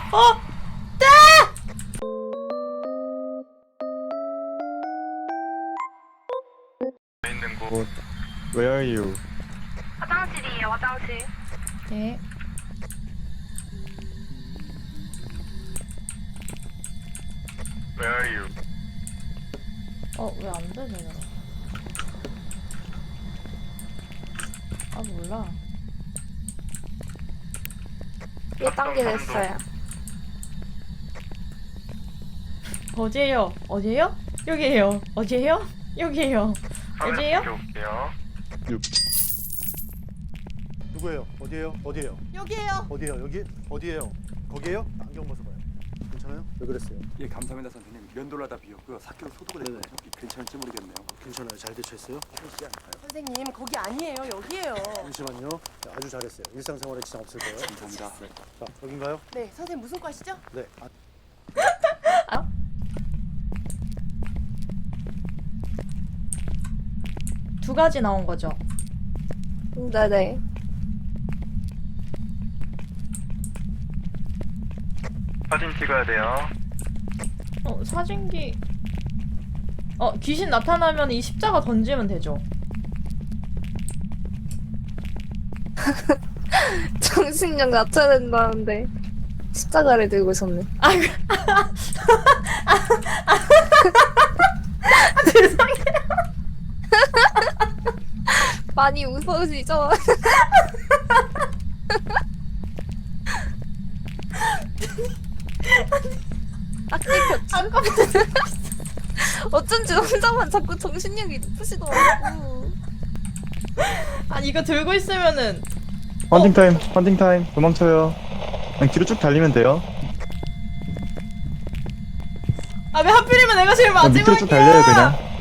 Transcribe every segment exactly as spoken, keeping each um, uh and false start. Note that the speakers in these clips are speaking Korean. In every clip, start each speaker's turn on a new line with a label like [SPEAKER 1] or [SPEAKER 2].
[SPEAKER 1] 어! 네!
[SPEAKER 2] 있는 곳.
[SPEAKER 3] What? Where are you?
[SPEAKER 4] 화장실이에요, 화장실.
[SPEAKER 1] 네.
[SPEAKER 2] Where are you?
[SPEAKER 1] 어, 왜 안 돼, 제대로. 아, 몰라.
[SPEAKER 4] 일 단계 됐어요.
[SPEAKER 1] 어디에요? 어디에요? 여기에요. 어디에요? 여기에요. 어디에요?
[SPEAKER 2] 올게요.
[SPEAKER 5] 누구예요? 어디에요? 어디에요?
[SPEAKER 1] 여기에요.
[SPEAKER 5] 어디에요? 여기? 어디에요? 거기에요? 안경 벗어봐요. 괜찮아요? 왜 그랬어요?
[SPEAKER 6] 예, 감사합니다 선생님. 면도하다 비었고요. 사케로 소독을
[SPEAKER 5] 네네.
[SPEAKER 6] 했거든요. 괜찮을지 모르겠네요.
[SPEAKER 5] 괜찮아요. 잘 대처했어요? 씨 아닐까요?
[SPEAKER 7] 선생님 거기 아니에요 여기에요.
[SPEAKER 5] 잠시만요. 네, 아주 잘했어요. 일상생활에 지장 없을 거예요.
[SPEAKER 6] 감사합니다.
[SPEAKER 5] 자, 여긴가요?
[SPEAKER 7] 네 선생님 무슨 과시죠?
[SPEAKER 5] 네. 아,
[SPEAKER 1] 두 가지 나온 거죠.
[SPEAKER 4] 네네.
[SPEAKER 2] 사진 찍어야 돼요.
[SPEAKER 1] 어, 사진기. 어, 귀신 나타나면 이 십자가 던지면 되죠.
[SPEAKER 4] 정신력 낮춰야 된다는데 십자가를 들고 있었네.
[SPEAKER 1] 아, 그- 아, 죄송해요.
[SPEAKER 4] 많이 웃어지죠? 아, 땡겼지? 어쩐지 혼자만 자꾸 정신력이 높으시더라고.
[SPEAKER 1] 아니, 이거 들고 있으면은
[SPEAKER 3] 헌팅 타임, 헌팅 타임. 도망쳐요. 그냥 뒤로 쭉 달리면 돼요.
[SPEAKER 1] 아, 왜 하필이면 내가 제일
[SPEAKER 3] 그냥 밑으로 쭉 달려요
[SPEAKER 1] 마지막이야?
[SPEAKER 3] 그냥.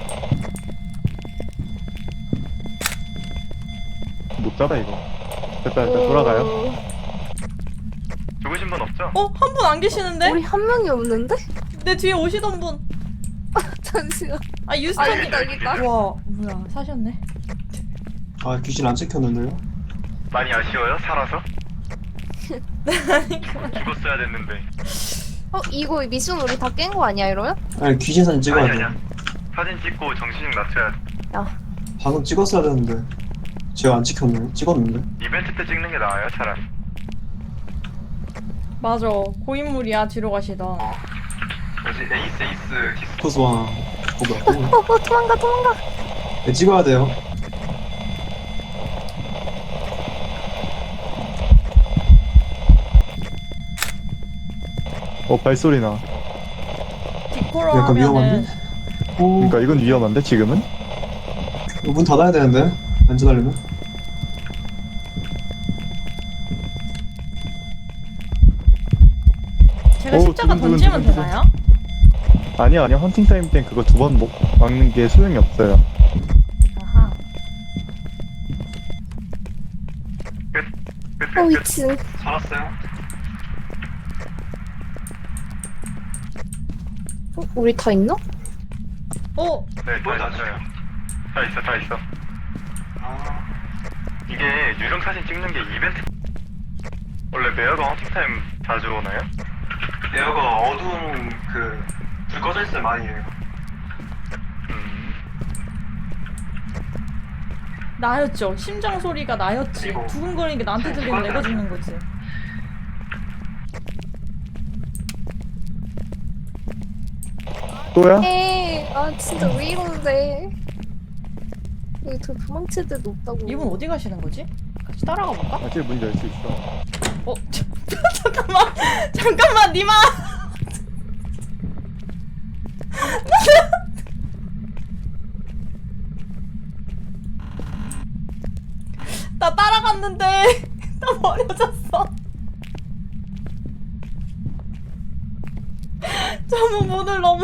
[SPEAKER 3] 못 잡아 이거. 됐다 됐다 돌아가요.
[SPEAKER 2] 죽으신 분 없죠?
[SPEAKER 1] 어, 한 분 안 계시는데?
[SPEAKER 4] 우리 한 명이 없는데?
[SPEAKER 1] 내 뒤에 오시던 분.
[SPEAKER 4] 잠시만.
[SPEAKER 1] 아,
[SPEAKER 4] 아,
[SPEAKER 1] 유스턴.
[SPEAKER 4] 여기다, 여기다.
[SPEAKER 1] 와, 뭐야, 사셨네.
[SPEAKER 8] 아 귀신 안 찍혔는데요?
[SPEAKER 2] 많이 아쉬워요? 살아서? 죽었어야 됐는데.
[SPEAKER 4] 어, 이거 미션 우리 다 깬 거 아니야, 이러면?
[SPEAKER 8] 아니 귀신 사진 찍어야
[SPEAKER 2] 아니
[SPEAKER 8] 돼.
[SPEAKER 2] 아니야. 사진 찍고 정신력 낮춰야 돼.
[SPEAKER 4] 야,
[SPEAKER 8] 방금 찍었어야 되는데 제가 안 찍혔네요. 찍었는데.
[SPEAKER 2] 이벤트 때 찍는 게 나아요, 차라리.
[SPEAKER 1] 맞아, 고인물이야. 뒤로 가시던.
[SPEAKER 2] 뭐지? 에이스 에이스 디스.
[SPEAKER 8] 코스와 어 뭐야?
[SPEAKER 4] 어, 어, 도망가, 도망가.
[SPEAKER 8] 네, 찍어야 돼요.
[SPEAKER 3] 어 발소리 나.
[SPEAKER 1] 디코로
[SPEAKER 8] 약간
[SPEAKER 1] 하면은
[SPEAKER 8] 위험한데? 오,
[SPEAKER 3] 그러니까 이건 위험한데 지금은?
[SPEAKER 8] 문 닫아야 되는데 안전하려면.
[SPEAKER 1] 제가
[SPEAKER 3] 오,
[SPEAKER 1] 십자가
[SPEAKER 3] 두근, 두근,
[SPEAKER 1] 던지면
[SPEAKER 3] 두근, 두근.
[SPEAKER 1] 되나요?
[SPEAKER 3] 아니요 아니요 헌팅 타임 땐 그거 두 번 막는 게 소용이 없어요.
[SPEAKER 1] 아하.
[SPEAKER 2] 끝. 끝.
[SPEAKER 4] 어,
[SPEAKER 2] 끝. 끝.
[SPEAKER 4] 미친.
[SPEAKER 2] 살았어요?
[SPEAKER 4] 어, 우리 다 있나?
[SPEAKER 1] 어,
[SPEAKER 2] 네, 다 있어요. 다 있어, 다 있어. 이게 유령 사진 찍는 게 이벤트. 원래 메어가 헌팅타임 자주 오나요? 메어가 어두운 그 불 꺼져 있을 많이 해요. 음.
[SPEAKER 1] 나였죠. 심장 소리가 나였지.
[SPEAKER 2] 그리고
[SPEAKER 1] 두근거리는 게 나한테 들리면 내가 죽는 거지.
[SPEAKER 3] 또야?
[SPEAKER 4] 에이, 아, 진짜 왜 이러는데. 여기 저 도망칠 데도 없다고.
[SPEAKER 1] 이분 어디 가시는 거지? 같이 따라가 볼까?
[SPEAKER 3] 아직 문 열 수 있어.
[SPEAKER 1] 어, 잠깐만, 잠깐만, 니마. 나 따라갔는데 나 버려졌어. 저분 문을 너무.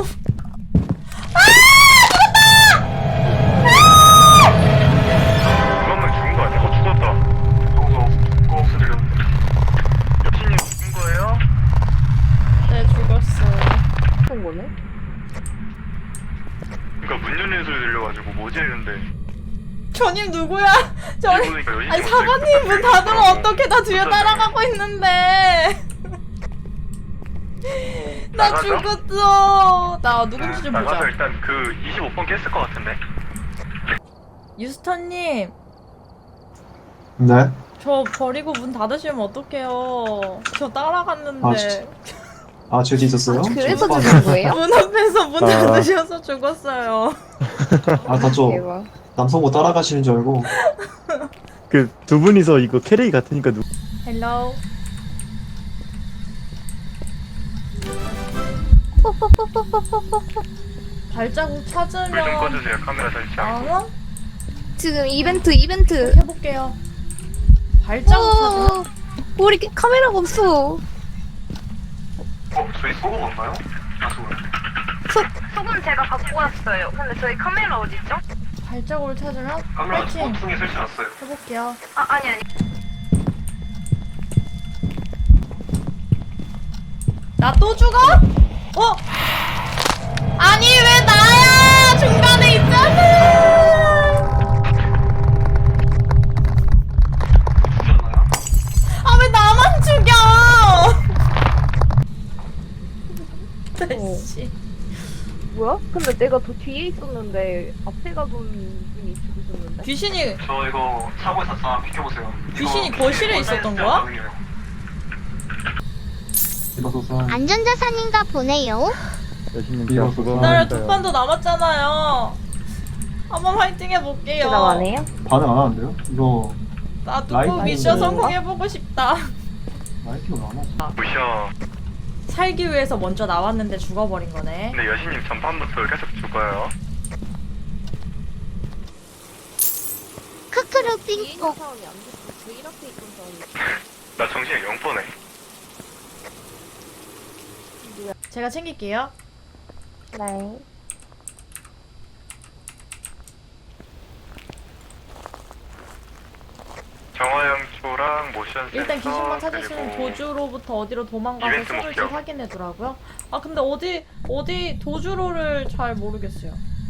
[SPEAKER 2] 그러면 죽은 거 아니야? 어, 죽었다. 방송 꺼없어 들렸는데. 여친님 죽은 거예요?
[SPEAKER 1] 네, 죽었어.
[SPEAKER 4] 그런 거네?
[SPEAKER 2] 그러니까 문 열리는 소리 들려가지고 뭐지 했는데.
[SPEAKER 1] 저님 누구야? 저
[SPEAKER 2] 일본이니까 여진이
[SPEAKER 1] 아니
[SPEAKER 2] 없으니까
[SPEAKER 1] 사관님 문 닫으면
[SPEAKER 2] 그러고
[SPEAKER 1] 어떻게 나 뒤에
[SPEAKER 2] 혼자
[SPEAKER 1] 따라가고 있는데. 나
[SPEAKER 2] 나가죠?
[SPEAKER 1] 죽었어. 나 누군지 좀
[SPEAKER 2] 나가서
[SPEAKER 1] 보자.
[SPEAKER 2] 일단 그 이십오 번 깼을 것 같은데.
[SPEAKER 1] 유스터님,
[SPEAKER 8] 네?
[SPEAKER 1] 저 버리고 문 닫으시면 어떡해요. 저 따라갔는데.
[SPEAKER 8] 아, 진짜? 아, 죄지 있었어요?
[SPEAKER 4] 아, 그래서
[SPEAKER 8] 저못
[SPEAKER 4] 죽은 거예요?
[SPEAKER 1] 문 앞에서 문
[SPEAKER 3] 아.
[SPEAKER 1] 닫으셔서 죽었어요.
[SPEAKER 8] 봤는데. 아, 나저
[SPEAKER 4] 대박.
[SPEAKER 8] 남성고 따라가시는 줄 알고.
[SPEAKER 3] 그 두 분이서 이거 캐릭이 같으니까 누
[SPEAKER 1] 헬로. 발자국
[SPEAKER 2] 불 좀
[SPEAKER 1] 찾으면
[SPEAKER 2] 꺼주세요. 카메라 설치하고.
[SPEAKER 1] 안 와?
[SPEAKER 4] 지금 이벤트 이벤트.
[SPEAKER 1] 해볼게요. 발자국 찾으면
[SPEAKER 4] 어, 우리 카메라가 없어.
[SPEAKER 2] 어, 저희 소금 없나요? 아, 소금.
[SPEAKER 9] 소금 제가 갖고 왔어요. 근데 저희 카메라 어딨죠?
[SPEAKER 1] 발자국을 찾으면
[SPEAKER 2] 카메라
[SPEAKER 1] 파이팅
[SPEAKER 2] 보통에 설치놨어요.
[SPEAKER 1] 해볼게요.
[SPEAKER 9] 아, 아니, 아니.
[SPEAKER 1] 나 또 죽어? 어? 아니 왜 나야? 중간에 있잖아.
[SPEAKER 2] 죽였나요?
[SPEAKER 1] 아 왜 나만 죽여?
[SPEAKER 4] 어.
[SPEAKER 1] 씨.
[SPEAKER 4] 뭐야? 근데 내가 더 뒤에 있었는데 앞에 가던 분이 죽으셨는데?
[SPEAKER 1] 귀신이
[SPEAKER 2] 저 이거 사고 있었어. 비켜보세요.
[SPEAKER 1] 귀신이
[SPEAKER 2] 이거
[SPEAKER 1] 거실에 있었던 거야?
[SPEAKER 8] 이봐서서.
[SPEAKER 10] 안전자산인가 보네요.
[SPEAKER 3] 여신님
[SPEAKER 8] 이거
[SPEAKER 3] 제가 그거
[SPEAKER 1] 나를 두
[SPEAKER 3] 하니까요.
[SPEAKER 1] 판 더 남았잖아요. 한번 화이팅 해볼게요.
[SPEAKER 4] 대답 안 해요?
[SPEAKER 8] 반응 안 하는데요? 이거
[SPEAKER 1] 나도 꼭
[SPEAKER 8] 라이브
[SPEAKER 1] 미션
[SPEAKER 8] 아닌데.
[SPEAKER 1] 성공해보고 싶다.
[SPEAKER 8] 라이팅을 안 하지.
[SPEAKER 2] 무셔.
[SPEAKER 1] 살기 위해서 먼저 나왔는데 죽어버린 거네.
[SPEAKER 2] 근데 여신님 전판부터 계속 죽어요.
[SPEAKER 10] 크크루
[SPEAKER 4] 뒤에 있는
[SPEAKER 10] 띵곡.
[SPEAKER 4] 사람이 안 됐어. 제일 앞에 있던 사람이.
[SPEAKER 2] 나 정신이 영 번에.
[SPEAKER 1] 제가 챙길게요.
[SPEAKER 4] 네.
[SPEAKER 2] 정화영초랑 모션 센서
[SPEAKER 1] 일단 귀신만 찾으시는
[SPEAKER 2] 그리고
[SPEAKER 1] 도주로부터 어디로 도망가서
[SPEAKER 2] 이벤트
[SPEAKER 1] 숨을지
[SPEAKER 2] 목표.
[SPEAKER 1] 확인해두라고요? 아 근데 어디 어디 도주로를 잘 모르겠어요.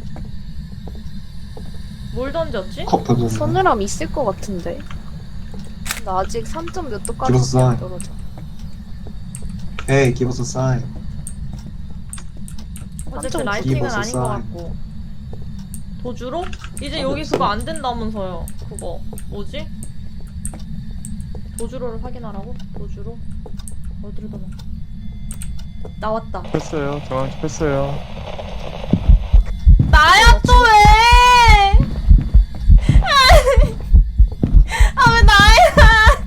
[SPEAKER 1] 뭘 던졌지?
[SPEAKER 8] 컵 던졌네.
[SPEAKER 4] 서늘함 있을 것 같은데. 나 아직 삼 점 몇 도까지
[SPEAKER 8] 기버스
[SPEAKER 4] 안
[SPEAKER 8] 사인.
[SPEAKER 4] 떨어져.
[SPEAKER 8] Hey, give us a sign.
[SPEAKER 1] 어쨌든
[SPEAKER 4] 깜짝
[SPEAKER 1] 라이팅은
[SPEAKER 8] 놀랐어.
[SPEAKER 1] 아닌 것 같고. 도주로? 이제 여기 그거 안 된다면서요. 그거 뭐지? 도주로를 확인하라고? 도주로? 어디로 도망? 나왔다.
[SPEAKER 3] 했어요. 정황 했어요.
[SPEAKER 1] 나야 또 왜? 아 왜 나야?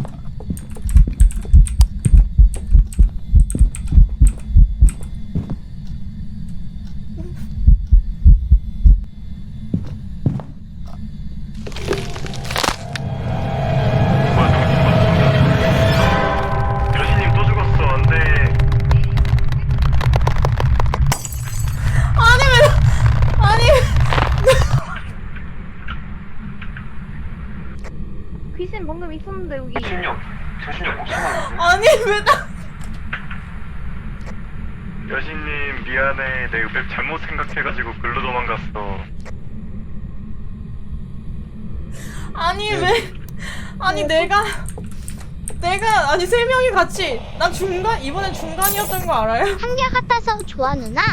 [SPEAKER 2] 여신님 또 죽었어. 안돼.
[SPEAKER 1] 아니 왜? 아니
[SPEAKER 4] 귀신 방금 있었는데 여기.
[SPEAKER 2] 정신력, 정신력 엄청 많은데.
[SPEAKER 1] 아니 왜 나?
[SPEAKER 2] 여신님 미안해. 내가 맵 잘못 생각해가지고 글로 도망갔어.
[SPEAKER 1] 아니 왜? 아니 내가 내가 아니 세 명이 같이 나 중간 이번엔 중간이었던 거 알아요?
[SPEAKER 10] 한결같아서 좋아 누나.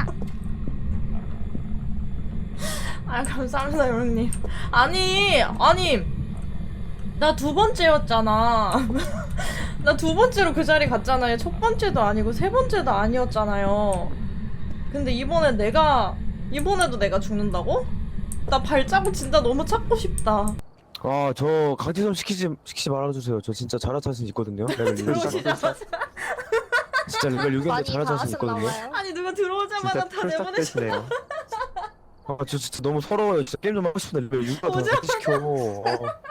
[SPEAKER 1] 아 감사합니다 여러님. 아니 아니 나 두 번째였잖아. 나 두 번째로 그 자리 갔잖아요. 첫 번째도 아니고 세 번째도 아니었잖아요. 근데 이번에 내가 이번에도 내가 죽는다고? 나 발자국 진짜 너무 찾고 싶다.
[SPEAKER 11] 아, 저 강제 좀 시키지 시키지 말아주세요. 저 진짜 잘할 자신 있거든요. 레벨 육.
[SPEAKER 1] 들어오시자마자
[SPEAKER 11] 진짜 레벨 육인데
[SPEAKER 4] 많이
[SPEAKER 11] 잘할
[SPEAKER 4] 다
[SPEAKER 11] 자신 있거든요.
[SPEAKER 4] 하셨나봐요.
[SPEAKER 1] 아니 누가 들어오자마자
[SPEAKER 3] 진짜
[SPEAKER 1] 다 내보내셨다.
[SPEAKER 3] 풀싹대시네요.
[SPEAKER 11] 아, 저 진짜 너무 서러워요. 진짜 게임 좀 하고 싶은데 레벨 육이나 더
[SPEAKER 1] 오자마자.
[SPEAKER 11] 시켜. 어.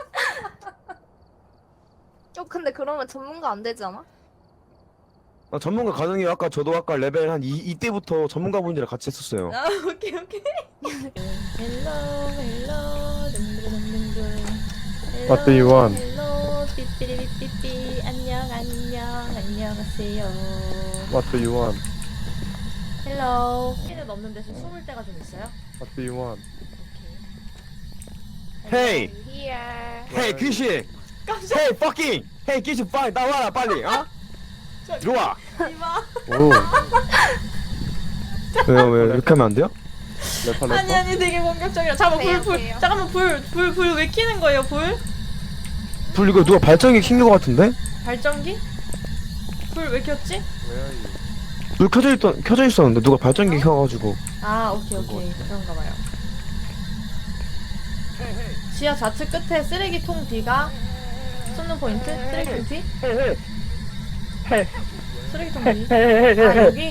[SPEAKER 4] 어 근데 그러면 전문가 안 되지 않아?
[SPEAKER 11] 아, 전문가 가능해요. 아까 저도 아까 레벨 한 이, 이때부터 전문가분들이랑 같이 했었어요.
[SPEAKER 1] 아 오케이 오케이. 헬로 헬로 둥둥둥둥.
[SPEAKER 3] What do you want?
[SPEAKER 1] 헬로 삐삐리삐삐 안녕 안녕 안녕하세요.
[SPEAKER 3] What do you want?
[SPEAKER 1] 헬로. 핀을 넘는 대신 숨을 때가 좀 있어요?
[SPEAKER 3] What do you want?
[SPEAKER 1] 오케이.
[SPEAKER 11] 헤이,
[SPEAKER 4] Here.
[SPEAKER 11] 헤이 귀신,
[SPEAKER 1] 깜짝.
[SPEAKER 11] 헤이 fucking, 헤이 귀신 빨리 나와라 빨리. 어? 이리 와.
[SPEAKER 1] 이봐.
[SPEAKER 3] 오
[SPEAKER 11] 왜요 왜요 이렇게 하면 안 돼요?
[SPEAKER 3] 래퍼 래퍼.
[SPEAKER 1] 아니 아니 되게 공격적이야. 잠깐 불
[SPEAKER 4] 돼요,
[SPEAKER 1] 불.
[SPEAKER 4] 돼요.
[SPEAKER 1] 잠깐만 불 불 불 왜 켜는 거예요 불?
[SPEAKER 11] 불 이거 누가 발전기 킨 거 같은데?
[SPEAKER 1] 발전기? 불 왜 켰지?
[SPEAKER 11] 불 켜져 있던 켜져 있었는데 누가 발전기 켜가지고.
[SPEAKER 1] 아 오케이 오케이 그런가 봐요. 지하 좌측 끝에 쓰레기통 뒤가 쏟는 포인트? 쓰레기통 뒤? 쓰레기통 뒤? 아 여기?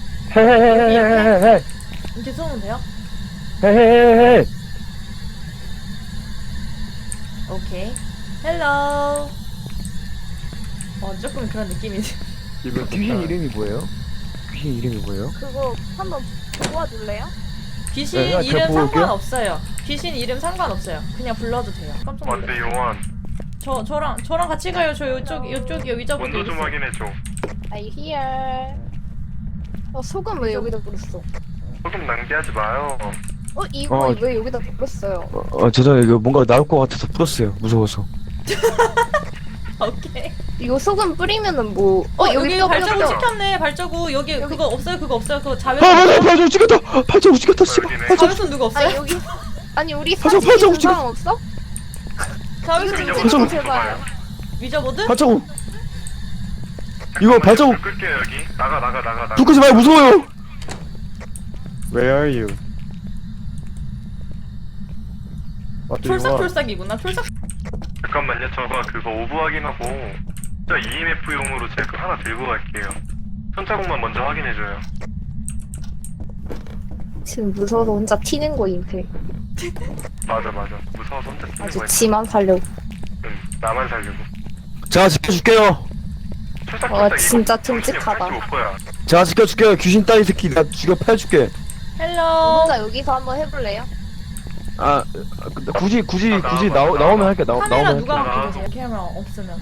[SPEAKER 1] 이렇게 쏘면 돼요? 오케이 헬로 어 조금 그런 느낌이지.
[SPEAKER 3] 기분
[SPEAKER 11] 귀신
[SPEAKER 3] 좋다.
[SPEAKER 11] 이름이 뭐예요? 귀신 이름이 뭐예요?
[SPEAKER 4] 그거 한번 도와줄래요?
[SPEAKER 1] 귀신
[SPEAKER 11] 네, 제가
[SPEAKER 1] 이름
[SPEAKER 11] 볼게요.
[SPEAKER 1] 상관없어요. 귀신 이름 상관없어요. 그냥 불러도 돼요. 깜짝
[SPEAKER 2] 완대
[SPEAKER 1] 놀랐어요.
[SPEAKER 2] 용환.
[SPEAKER 1] 저 저랑 저랑 같이 가요. 저 요쪽 요쪽이요 위자부터
[SPEAKER 2] 온도 좀
[SPEAKER 1] 있어요.
[SPEAKER 2] 확인해줘.
[SPEAKER 4] I hear. 어 소금 왜 여기다 뿌렸어?
[SPEAKER 2] 조금 낭비하지 마요.
[SPEAKER 4] 어 이거
[SPEAKER 11] 어.
[SPEAKER 4] 왜 여기다 뿌렸어요?
[SPEAKER 11] 어, 어 죄송해요 이거 뭔가 나올 것 같아서 풀었어요 무서워서.
[SPEAKER 1] 오케이.
[SPEAKER 4] 이거 소금 뿌리면은 뭐?
[SPEAKER 1] 어
[SPEAKER 4] 어
[SPEAKER 1] 여기
[SPEAKER 4] 여기 뼈
[SPEAKER 1] 발자국
[SPEAKER 4] 뼈.
[SPEAKER 1] 찍혔네. 발자국 여기,
[SPEAKER 4] 여기.
[SPEAKER 1] 그거 없어요. 그거 없어요. 그거
[SPEAKER 11] 아
[SPEAKER 1] 자외선
[SPEAKER 11] 맞아 발자국 찍혔다. 발자국 찍혔다 씨발.
[SPEAKER 2] 여기네.
[SPEAKER 11] 발자국.
[SPEAKER 1] 자외선 누가
[SPEAKER 4] 아
[SPEAKER 1] 없어요?
[SPEAKER 4] 여기 아니 우리
[SPEAKER 11] 발자국,
[SPEAKER 4] 사진
[SPEAKER 11] 발자국
[SPEAKER 4] 증상 없어?
[SPEAKER 1] 자외선
[SPEAKER 4] 이거
[SPEAKER 1] 누가
[SPEAKER 4] 좀
[SPEAKER 1] 없어요?
[SPEAKER 4] 찍고 제발.
[SPEAKER 1] 위저보드?
[SPEAKER 11] 발자국. 이거 발자국.
[SPEAKER 2] 불 끌게요 여기. 나가 나가 나가 나가.
[SPEAKER 11] 불 끄지 마요 무서워요.
[SPEAKER 3] Where are you? What do you want?
[SPEAKER 1] 촐싹촐싹이구나. 촐싹.
[SPEAKER 2] 잠깐만요. 저거 그거 오브 확인하고 저 이엠에프용으로 제 거 하나 들고 갈게요. 손자국만 먼저 확인해줘요.
[SPEAKER 4] 지금 무서워서 혼자 튀는 거임 배.
[SPEAKER 2] 맞아 맞아. 무서워서 혼자 뛰는
[SPEAKER 4] 아주
[SPEAKER 2] 거야.
[SPEAKER 4] 지만 살려고.
[SPEAKER 2] 응, 나만 살려고.
[SPEAKER 11] 제가 지켜줄게요.
[SPEAKER 2] 철삭
[SPEAKER 4] 와,
[SPEAKER 2] 철삭
[SPEAKER 4] 진짜
[SPEAKER 2] 이거
[SPEAKER 4] 듬직하다.
[SPEAKER 2] 팔십오 퍼야.
[SPEAKER 11] 제가 지켜줄게요. 귀신 따위 새끼 나 죽여 패줄게.
[SPEAKER 1] 헬로.
[SPEAKER 4] 혼자 여기서 한번 해볼래요?
[SPEAKER 11] 아 근데 굳이 굳이
[SPEAKER 2] 나,
[SPEAKER 11] 굳이
[SPEAKER 2] 나,
[SPEAKER 11] 나오
[SPEAKER 2] 나,
[SPEAKER 11] 나오면
[SPEAKER 2] 나.
[SPEAKER 11] 할게. 나
[SPEAKER 1] 카메라
[SPEAKER 11] 나오면 할게.
[SPEAKER 1] 누가
[SPEAKER 2] 나가.
[SPEAKER 1] 갖고 계세요? 카메라 없으면.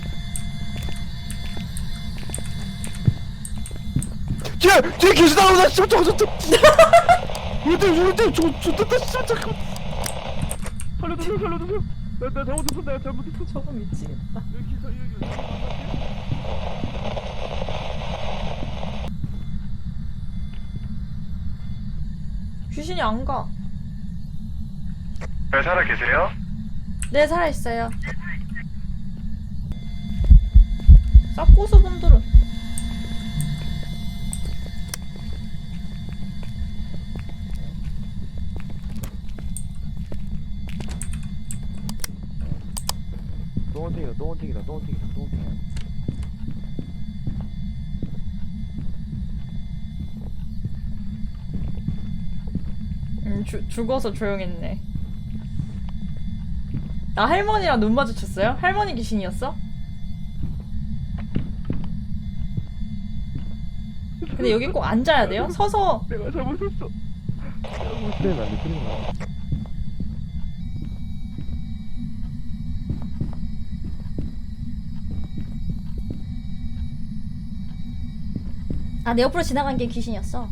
[SPEAKER 11] 뒤에 뒤에 귀신 나오다. 씨발 저거 저거. 이때 이때 저거 저거 씨발 잠깐. 살려주세요 살려주세요. 나나 잘못했어 내가 잘못했어.
[SPEAKER 1] 저거 미치겠다.
[SPEAKER 11] 여기 여기 여기.
[SPEAKER 1] 귀신이 안 가.
[SPEAKER 2] 잘 살아 계세요?
[SPEAKER 1] 네 살아 있어요. 쌉고수분들은
[SPEAKER 11] 똥원탱이다 똥원탱이다 똥원탱이다 똥원탱이다.
[SPEAKER 1] 음, 주, 죽어서 조용했네. 나 할머니랑 눈 마주쳤어요? 할머니 귀신이었어? 근데 여기 꼭 앉아야 돼요? 서서
[SPEAKER 11] 내가 잘못했어.
[SPEAKER 3] 그래 난데 그림 나.
[SPEAKER 1] 아, 내 옆으로 지나간 게 귀신이었어.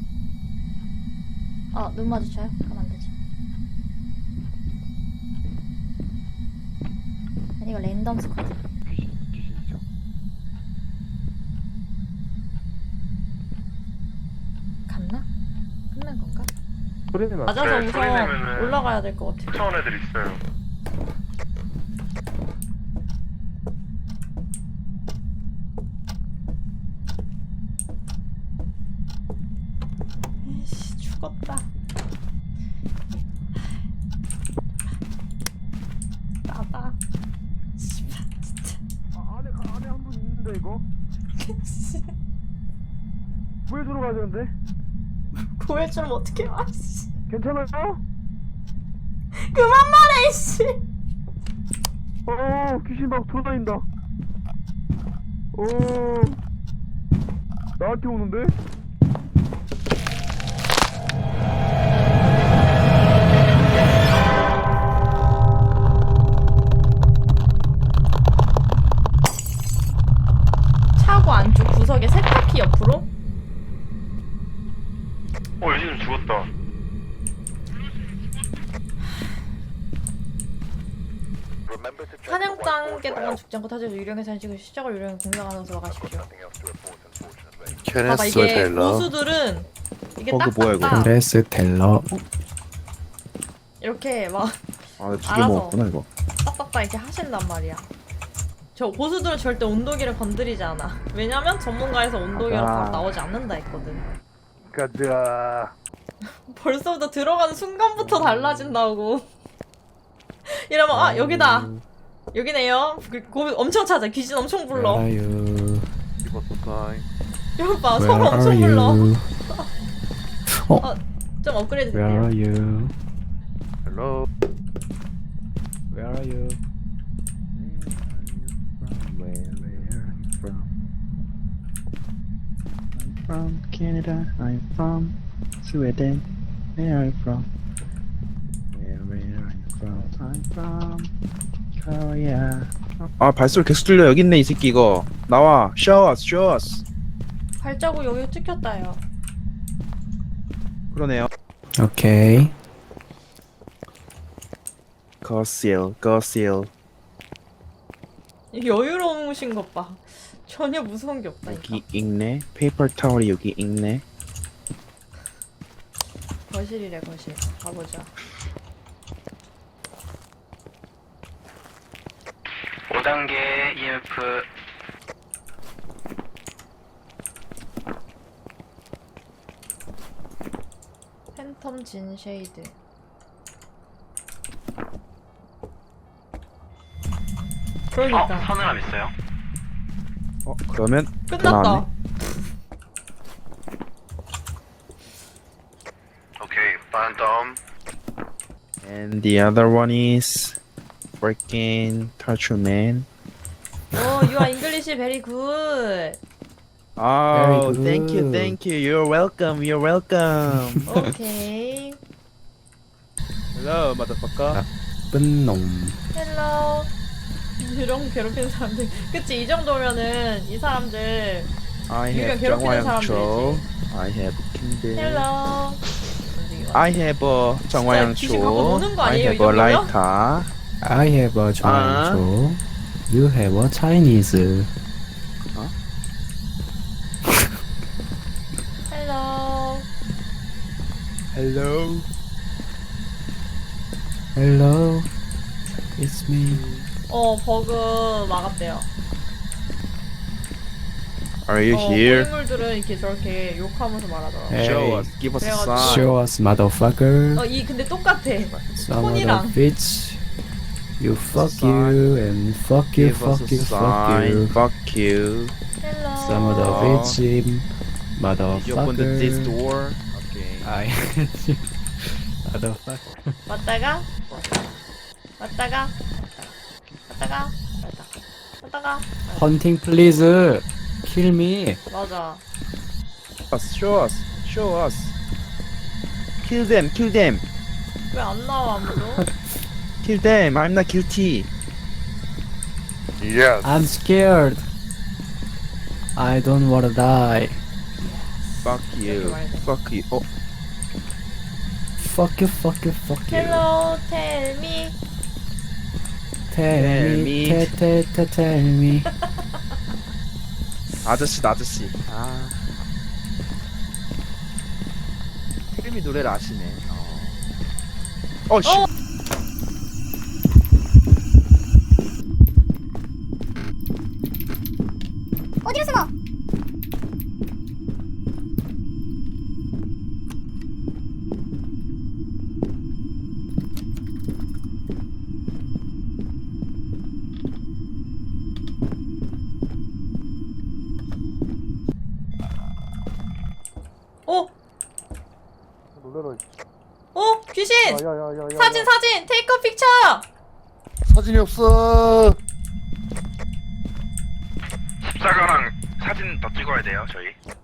[SPEAKER 1] 어, 눈 마주쳐요? 가면 안 되지. 아니, 이거 랜덤 스쿼드.
[SPEAKER 11] 귀신 귀신이죠.
[SPEAKER 1] 갔나? 끝난 건가?
[SPEAKER 3] 소리는 나.
[SPEAKER 1] 맞아서
[SPEAKER 2] 네, 소리
[SPEAKER 1] 우선
[SPEAKER 2] 내면은
[SPEAKER 1] 올라가야 될 것 같아.
[SPEAKER 2] 쫓아온 애들 있어요.
[SPEAKER 1] 에이씨, 죽었다. 나다. 씨발, 진짜.
[SPEAKER 11] 아, 안에 가- 안에 한 분 있는데 이거 구해주러 가야 되는데.
[SPEAKER 1] 구해주면 어떡해, 아, 씨.
[SPEAKER 11] 괜찮아요?
[SPEAKER 1] 그만 말해, 씨.
[SPEAKER 11] 어 귀신 막 돌아다닌다. 어 나한테 오는데?
[SPEAKER 1] 차고 안쪽 구석에 세탁기 옆으로?
[SPEAKER 2] 어 여진님 죽었다.
[SPEAKER 1] 사냥장 개 동안 죽지 않고 타지에서 유령의 산식을 시작을 유령의 공격하면서 가십시오. 봐봐 이게 고수들은 이게
[SPEAKER 3] 버그 뭐야, 이거?
[SPEAKER 1] 딱딱딱
[SPEAKER 11] 케네스 텔러.
[SPEAKER 1] 이렇게 막
[SPEAKER 3] 아, 두개
[SPEAKER 1] 알아서.
[SPEAKER 3] 먹었구나 이거.
[SPEAKER 1] 딱딱딱 이렇게 하신단 말이야. 저 고수들은 절대 온도계를 건드리지 않아. 왜냐면 전문가에서 온도계로
[SPEAKER 3] 아.
[SPEAKER 1] 바로 나오지 않는다 했거든.
[SPEAKER 11] 가자.
[SPEAKER 1] 벌써부터 들어가는 순간부터 달라진다고. 이러면 아 여기다. 여기네요. 그, 고, 엄청 찾아. 귀신 엄청 불러.
[SPEAKER 11] Where are you?
[SPEAKER 1] 이거 봐.
[SPEAKER 11] Where
[SPEAKER 1] 서로 엄청
[SPEAKER 11] are
[SPEAKER 1] 불러.
[SPEAKER 11] you?
[SPEAKER 1] 어, 좀 업그레이드
[SPEAKER 11] Where
[SPEAKER 1] 될게요.
[SPEAKER 11] are you?
[SPEAKER 3] Hello.
[SPEAKER 11] Where are you?
[SPEAKER 3] Where are you from? I'm from Canada. I'm from Sweden. Where are you from? Where, where are you from? I'm from Korea. 아 발소리 계속 들려. 여기 있네 이 새끼 이거. 나와. Show us, show us.
[SPEAKER 1] 발자국 여기 찍혔다요.
[SPEAKER 3] 그러네요.
[SPEAKER 11] 오케이.
[SPEAKER 3] 거실, 거실.
[SPEAKER 1] 여유로우신 것 봐. 전혀 무서운 게 없다.
[SPEAKER 3] 여기 있네. 페이퍼 타월이 여기 있네.
[SPEAKER 1] 거실이래 거실. 가보자.
[SPEAKER 2] 오 단계 이엠에프
[SPEAKER 1] 팬텀 진 쉐이드.
[SPEAKER 2] 어?
[SPEAKER 1] 그러니까
[SPEAKER 2] 서늘함 있어요?
[SPEAKER 3] 어 그러면
[SPEAKER 1] 끝났다.
[SPEAKER 3] 나왔네.
[SPEAKER 2] 오케이 반덤
[SPEAKER 3] And the other one is freaking Torture Man.
[SPEAKER 1] 오, you are English very good.
[SPEAKER 3] Oh,
[SPEAKER 11] Very
[SPEAKER 3] thank you,
[SPEAKER 11] good.
[SPEAKER 3] thank you. You're welcome. You're welcome.
[SPEAKER 1] 오케이.
[SPEAKER 3] Hello, motherfucker.
[SPEAKER 11] 나쁜 놈.
[SPEAKER 1] 헬로. 이런 괴롭히는 사람들. 그치 이 정도면은 이 사람들.
[SPEAKER 3] I
[SPEAKER 1] 유령
[SPEAKER 3] have
[SPEAKER 1] 괴롭히는
[SPEAKER 3] 정화양초. I have Kindle.
[SPEAKER 1] 헬로.
[SPEAKER 3] I have a
[SPEAKER 1] 귀신 갖고
[SPEAKER 3] 정화양초.
[SPEAKER 1] 노는 거
[SPEAKER 3] I
[SPEAKER 1] 아니에요, 이
[SPEAKER 3] have a
[SPEAKER 1] 정도면?
[SPEAKER 3] lighter.
[SPEAKER 11] I have a Chinese. You have a Chinese.
[SPEAKER 1] 헬로.
[SPEAKER 3] Hello.
[SPEAKER 11] Hello. It's me.
[SPEAKER 1] 어 버그 막았대요.
[SPEAKER 3] Are you
[SPEAKER 1] 어,
[SPEAKER 3] here?
[SPEAKER 1] 고인물들은 이렇게 저렇게 욕하면서 말하더라고.
[SPEAKER 11] Hey.
[SPEAKER 3] Show us. Give us a
[SPEAKER 1] 그래가지고-
[SPEAKER 3] sign.
[SPEAKER 11] Show us, motherfucker.
[SPEAKER 1] 어 이 근데 똑같아.
[SPEAKER 11] Some of the
[SPEAKER 1] 폰이랑.
[SPEAKER 11] bitch. You fuck you and fuck you,
[SPEAKER 3] Give us
[SPEAKER 11] fuck
[SPEAKER 3] a
[SPEAKER 11] you, fuck
[SPEAKER 3] sign.
[SPEAKER 11] you.
[SPEAKER 3] Fuck you.
[SPEAKER 1] 헬로.
[SPEAKER 11] Some of the
[SPEAKER 3] Oh.
[SPEAKER 11] bitch.
[SPEAKER 3] Did you open the, this
[SPEAKER 11] Motherfucker.
[SPEAKER 3] door? Okay.
[SPEAKER 11] I. Motherfucker.
[SPEAKER 1] 왔다가 왔다가 왔다가 왔다가 왔다가
[SPEAKER 11] Hunting, please. Kill me.
[SPEAKER 1] 맞아.
[SPEAKER 3] Us, show us. Show us. Kill them. Kill them.
[SPEAKER 1] 왜 안 나와 아무도?
[SPEAKER 3] Kill them. I'm not guilty.
[SPEAKER 11] I'm scared. I don't wanna die.
[SPEAKER 3] Fuck you.
[SPEAKER 1] 이렇게 말해.
[SPEAKER 3] Fuck you. 어?
[SPEAKER 11] Fuck you, fuck you, fuck you.
[SPEAKER 1] 헬로 텔미.
[SPEAKER 11] Tell
[SPEAKER 3] Tell
[SPEAKER 11] me,
[SPEAKER 3] me.
[SPEAKER 11] tell, tell, tell, tell me.
[SPEAKER 3] 아저씨다 아저씨. 아. 텔미 노래를 아시네. 어. 어 씨.
[SPEAKER 1] 어.
[SPEAKER 10] 어디로 숨어?
[SPEAKER 1] 어?
[SPEAKER 5] 놀래라.
[SPEAKER 1] 어? 귀신!
[SPEAKER 5] 야야야야.
[SPEAKER 1] 사진 사진! 테이크 픽처!
[SPEAKER 5] 사진이 없어.
[SPEAKER 2] 십자가랑 사진 더 찍어야 돼요 저희.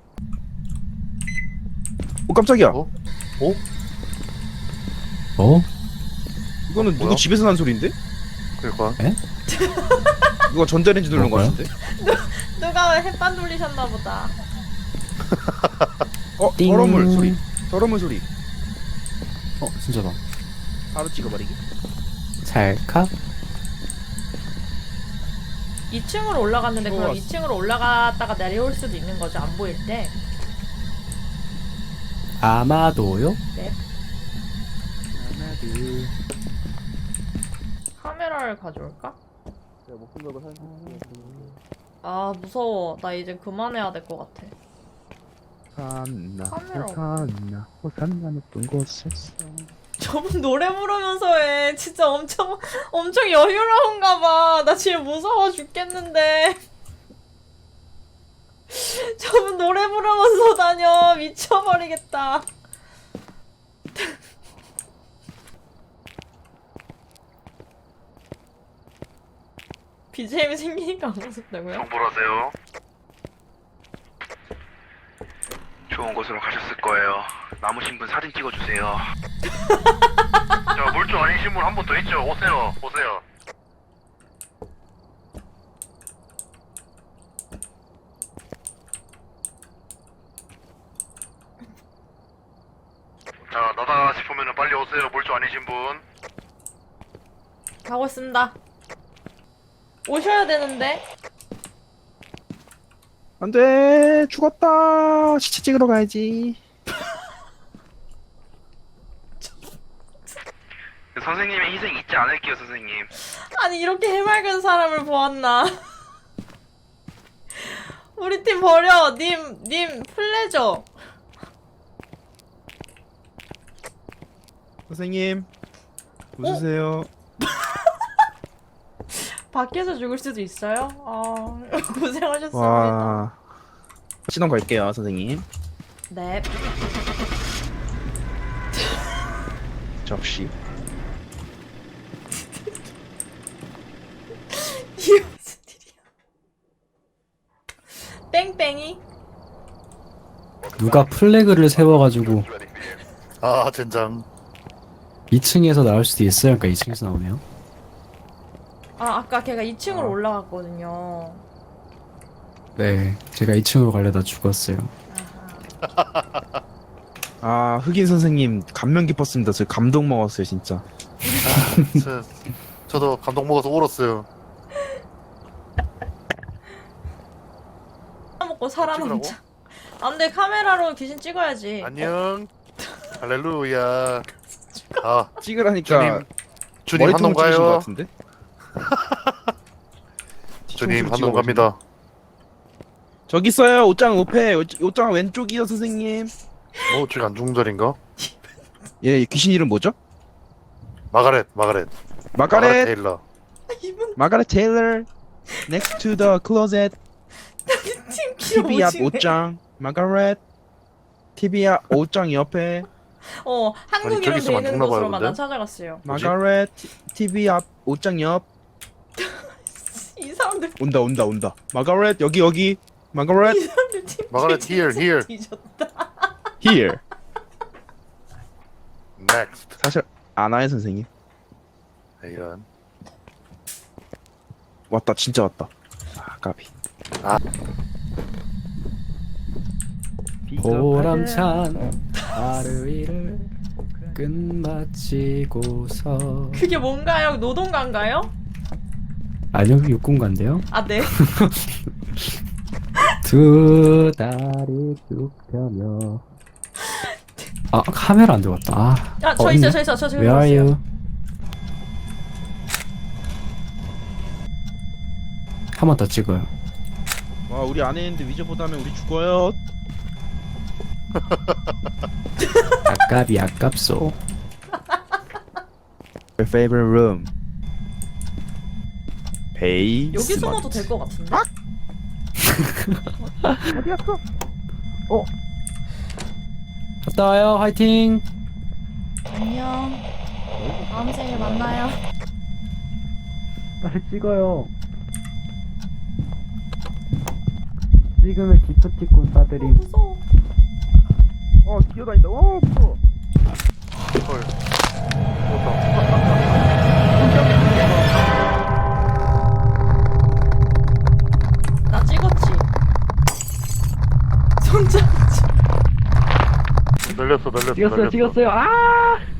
[SPEAKER 3] 어 깜짝이야.
[SPEAKER 5] 어?
[SPEAKER 11] 어?
[SPEAKER 3] 이거는 누구
[SPEAKER 5] 뭐야?
[SPEAKER 3] 집에서 난 소리인데?
[SPEAKER 5] 그럴까?
[SPEAKER 3] 누가 전자레인지 누른 거
[SPEAKER 11] 뭐야?
[SPEAKER 3] 같은데?
[SPEAKER 1] 누가 햇반 돌리셨나 보다.
[SPEAKER 3] 어
[SPEAKER 11] 띵.
[SPEAKER 3] 더러물 소리. 더러물 소리.
[SPEAKER 11] 어, 진짜다.
[SPEAKER 3] 바로 찍어버리기.
[SPEAKER 11] 찰칵.
[SPEAKER 1] 이 층으로 올라갔는데 그럼
[SPEAKER 3] 들어왔어.
[SPEAKER 1] 이 층으로 올라갔다가 내려올 수도 있는 거죠. 안 보일 때.
[SPEAKER 11] 아마도요?
[SPEAKER 1] 네. 카메라를 가져올까? 아 무서워. 나 이제 그만해야 될 것 같아.
[SPEAKER 3] 산나
[SPEAKER 1] 카메라
[SPEAKER 3] 호산나 호산나 높은 곳에서
[SPEAKER 1] 저분 노래 부르면서 해. 진짜 엄청 엄청 여유로운가 봐. 나 지금 무서워 죽겠는데. 저분 노래 부르면서 다녀. 미쳐버리겠다. 비지엠이 생기니까 안 무섭다고요?
[SPEAKER 2] 정보라세요. 좋은 곳으로 가셨을 거예요. 남으신 분 사진 찍어주세요. 자, 물주 아니신 분 한 분 더 있죠? 오세요, 오세요. 자, 나다 싶으면 빨리 오세요. 물주 아니신 분.
[SPEAKER 1] 가고 있습니다. 오셔야 되는데.
[SPEAKER 3] 안돼 죽었다 시체 찍으러 가야지.
[SPEAKER 2] 선생님의 희생 잊지 않을게요, 선생님.
[SPEAKER 1] 아니 이렇게 해맑은 사람을 보았나. 우리 팀 버려. 님, 님 플레저.
[SPEAKER 3] 선생님 웃으세요.
[SPEAKER 1] 밖에서 죽을 수도 있어요? 아 고생하셨습니다.
[SPEAKER 3] 와 신원 갈게요 선생님.
[SPEAKER 1] 네.
[SPEAKER 3] 접시.
[SPEAKER 1] 이게 무슨 일이야? 뺑뺑이?
[SPEAKER 11] 누가 플래그를 세워가지고
[SPEAKER 5] 아 젠장.
[SPEAKER 11] 이 층에서 나올 수도 있어요. 그러니까 이 층에서 나오네요.
[SPEAKER 1] 아 아까 걔가 이 층으로 올라갔거든요.
[SPEAKER 11] 네, 제가 이 층으로 가려다 죽었어요.
[SPEAKER 1] 아하.
[SPEAKER 3] 아 흑인 선생님 감명 깊었습니다. 저 감동 먹었어요 진짜.
[SPEAKER 5] 저, 저도 감동 먹어서 울었어요.
[SPEAKER 1] 먹고 살아남자. 아 근데 카메라로 귀신 찍어야지.
[SPEAKER 5] 안녕. 할렐루야. 아
[SPEAKER 3] 찍으라니까
[SPEAKER 5] 주님 주님
[SPEAKER 3] 머리통을
[SPEAKER 5] 한동
[SPEAKER 3] 찍으신 것
[SPEAKER 5] 가요.
[SPEAKER 3] 같은데?
[SPEAKER 5] 주님
[SPEAKER 3] 뒤통수로
[SPEAKER 5] 한동
[SPEAKER 3] 찍어가지고.
[SPEAKER 5] 갑니다.
[SPEAKER 3] 저기 있어요 옷장 옆에 옷- 옷장 왼쪽이요 선생님.
[SPEAKER 5] 뭐 지금 안중절인가?
[SPEAKER 3] 예 귀신 이름 뭐죠?
[SPEAKER 5] 마가렛 마가렛
[SPEAKER 3] 마가렛
[SPEAKER 5] 테일러.
[SPEAKER 1] 이분
[SPEAKER 3] 마가렛 테일러. Next to the closet.
[SPEAKER 1] 팀
[SPEAKER 3] 티비 앞
[SPEAKER 1] 귀여우시네.
[SPEAKER 3] 옷장. 마가렛. 티비 앞 옷장 옆에.
[SPEAKER 1] 어 한국
[SPEAKER 5] 아니,
[SPEAKER 1] 이름
[SPEAKER 5] 저기서
[SPEAKER 1] 되는
[SPEAKER 5] 만났나
[SPEAKER 1] 곳으로만
[SPEAKER 5] 봐요,
[SPEAKER 1] 난
[SPEAKER 5] 근데?
[SPEAKER 1] 찾아갔어요.
[SPEAKER 5] 뭐지?
[SPEAKER 3] 마가렛 티비 앞 옷장 옆.
[SPEAKER 1] 이 사람들
[SPEAKER 3] 온다 온다 온다. 마가렛 여기 여기. 마가렛
[SPEAKER 1] 이 사람들 팀
[SPEAKER 5] 마가렛,
[SPEAKER 1] 진짜
[SPEAKER 5] here, here.
[SPEAKER 1] 뒤졌다.
[SPEAKER 3] here.
[SPEAKER 5] Next.
[SPEAKER 3] 사실 안 와요 선생님.
[SPEAKER 5] 이런.
[SPEAKER 3] 왔다 진짜 왔다. 아 까비.
[SPEAKER 5] 아.
[SPEAKER 11] 보람찬 하루 일을 끝마치고서
[SPEAKER 1] 그게 뭔가요? 노동가인가요?
[SPEAKER 11] 아니요 육군가인데요.
[SPEAKER 1] 아 네.
[SPEAKER 11] 두 다리 쭉 펴며 아 카메라 안 들어갔다. 아,
[SPEAKER 1] 아 저
[SPEAKER 11] 어,
[SPEAKER 1] 있어요,
[SPEAKER 11] 있네.
[SPEAKER 1] 저 있어, 저 지금
[SPEAKER 11] Where are
[SPEAKER 1] 봤어요.
[SPEAKER 11] you? 한 번 더 찍어요.
[SPEAKER 3] 와 우리 안에 있는데 위저보다면 우리 죽어요.
[SPEAKER 11] 아깝이 아깝소.
[SPEAKER 3] Your favorite room. 베이.
[SPEAKER 1] 여기 숨어도 될 것 같은데?
[SPEAKER 11] 갔다 와요. 화이팅.
[SPEAKER 1] 안녕. 다음 생에 만나요.
[SPEAKER 11] 빨리 찍어요. 찍으면 기프티콘 싸드림.
[SPEAKER 1] 무서워.
[SPEAKER 3] 어 뛰어다닌다. 어 무서워.
[SPEAKER 5] 헐.
[SPEAKER 1] 나 찍었지. 손잡지.
[SPEAKER 5] 날렸어 날렸어
[SPEAKER 11] 찍었어요.
[SPEAKER 5] 날렸어.
[SPEAKER 11] 찍었어요. 아!